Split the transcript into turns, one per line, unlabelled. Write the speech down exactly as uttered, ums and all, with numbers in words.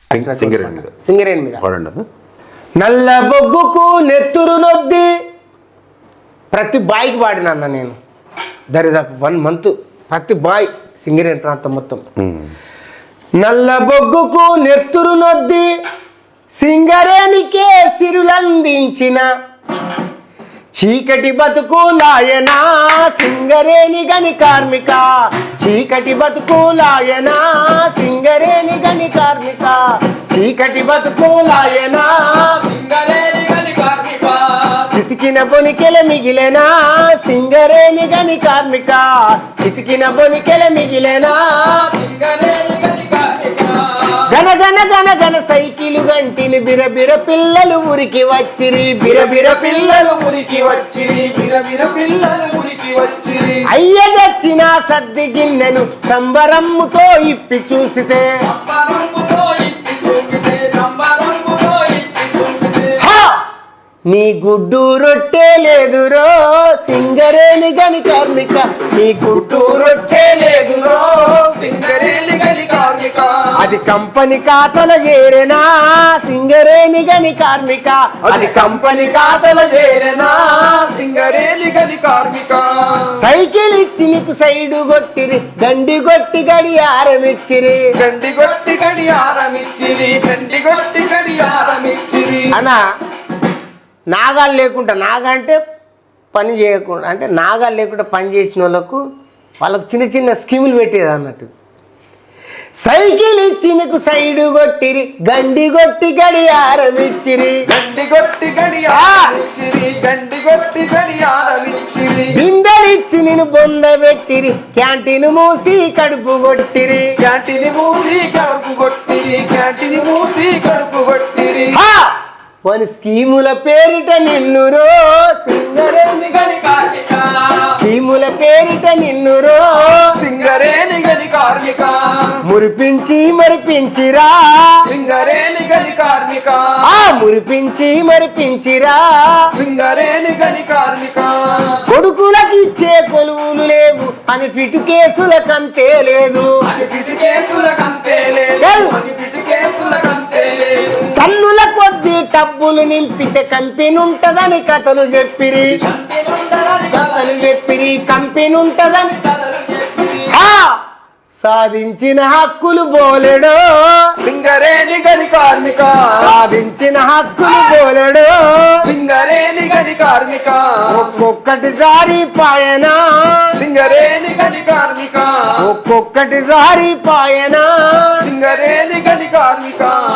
సింగరేణి మీద నల్ల బొగ్గుకు నెత్తురు నొద్ది ప్రతి బాయ్కి పాడినా అన్న నేను దరిదాపు వన్ మంత్ ప్రతి బాయ్ సింగరేణి ప్రాంతం మొత్తం. నల్ల బొగ్గుకు నెత్తురు నొద్ది సింగరేణికే సిరులందించిన చీకటి బతుకు లాయనా సింగరేణి గని కార్మిక, చీకటి బతుకు లాయనా సింగరేణి గని కార్మిక, చీకటి బతుకు లాయనా సింగరేణి గని కార్మిక, చితికిన బొనికెల మిగిలేనా సింగరేణి గని కార్మిక, చితికిన బొనికెల మిగిలేనా సింగరేణి గని కార్మిక. గన గన గన గన సైకిలు గంటిని బిరబిర పిల్లలు ఉరికి వచ్చిరి, బిరబిర పిల్లలు ఉరికి వచ్చిరి, బిరబిర పిల్లలు ఉరికి వచ్చిరి. అయ్య తెచ్చిన సద్ది గిన్నెను సంబరమ్ముతో ఇప్పి చూసితే, నీ గుడ్డు రొట్టె లేదురో సింగరేణి గని కార్మిక, నీ గుడ్డు రొట్టె లేదురో సింగరేణి గని కార్మిక, అది కంపెనీ ఖాతాల చేరేనా సింగరేణి గని కార్మిక, అది కంపెనీ ఖాతాల చేరేనా సింగరేణి గని కార్మిక. సైకిల్ ఇచ్చి నీకు సైడు కొట్టిరి గండి కొట్టి గడియారం ఇచ్చిరి, గండి కొట్టి గడియారం ఇచ్చిరి, గండి కొట్టి గడియారం ఇచ్చిరి. అనా నాగాలు లేకుండా, నాగా అంటే పని చేయకుండా, అంటే నాగాలు లేకుండా పని చేసిన వాళ్ళకు వాళ్ళకు చిన్న చిన్న స్కీములు పెట్టేది అన్నట్టు. సైకిల్ ఇచ్చి నీకు సైడు కొట్టిరి గండి కొట్టి గడియారం ఇచ్చిరి, గండి కొట్టి గడియారం ఇచ్చిరి, గండి కొట్టి గడియారం ఇచ్చిరి. బిందెలిచ్చి నేను బొంద పెట్టిరి క్యాంటీన్ మూసి కడుపు కొట్టిరి, క్యాంటీన్ మూసి కడుపు కొట్టిరి, క్యాంటీన్ మూసి కడుపు కొట్టిరి. వని స్కీముల పేరిట నిన్నురో సింగరేణి గని కార్మిక, స్కీముల పేరిట నిన్నురో సింగరేణి గని కార్మిక, మురిపించి మరిపించిరా సింగరేణి గని కార్మిక, ఆ మురిపించి మరిపించిరా సింగరేణి గని కార్మిక. కొడుకులకి ఇచ్చే కొలువులు లేవు అని ఫిటు కేసుల కంతే లేదు, అని ఫిటు కేసుల కంతే లేదు, అని ఫిటు కేసుల కంతే లేదు. కన్నుల కొద్ది డబ్బులు నింపితే కంపెనీ ఉంటదని కథలు చెప్పిరి, కథలు చెప్పిరి కంపెనీ ఉంటదని. సాధించిన హక్కులు బోలెడో సింగరేణి గని కార్మిక, సాధించిన హక్కులు బోలెడో సింగరేణి గని కార్మిక. ఒక్కొక్కటి జారిపాయనా సింగరేణి గని కార్మిక, ఒక్కొక్కటి జారిపాయనా సింగరేణి గని కార్మిక.